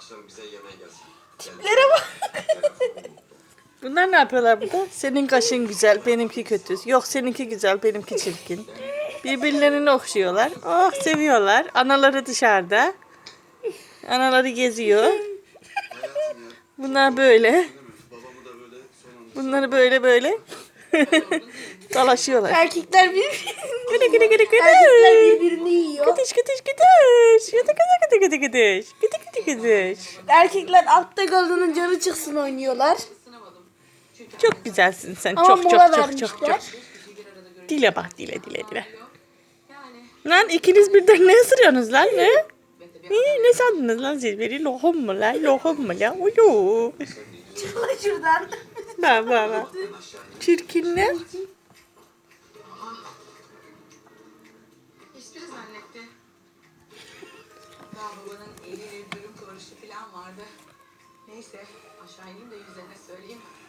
akşam bize yemeğe gelsin. Tiplere bak. Bunlar ne yapıyorlar burada? Senin kaşın güzel, benimki kötü. Yok seninki güzel, benimki çirkin. Birbirlerini okşuyorlar. Oh seviyorlar. Anaları dışarıda. Anaları geziyor. Hayatım ya. Bunlar böyle. Babamı da böyle son anda Bunları böyle dalaşıyorlar. Erkekler birbirini Gıdı gıdı gıdı gıdı. Erkekler birbirini yiyor. Gıdış gıdış gıdış. Gıdı gıdı gıdı gıdı gıdış. Gıdı gıdı gıdış. Erkekler altta kalanın canı çıksın oynuyorlar. Çok güzelsin sen. Ama Çok mola çok çok vermişler. çok çok. Dile bak dile. Lan ikiniz birden ne ısırıyorsunuz lan ne? Ne sandınız lan siz beni? Lohum mu lan? Lohum mu lan? Uyu. Çık lan şuradan. Bak. Çirkinler. Espri zannetti. Daha babanın eli dürüm karışı falan vardı. Neyse aşağı ineyim de yüzlerine söyleyeyim.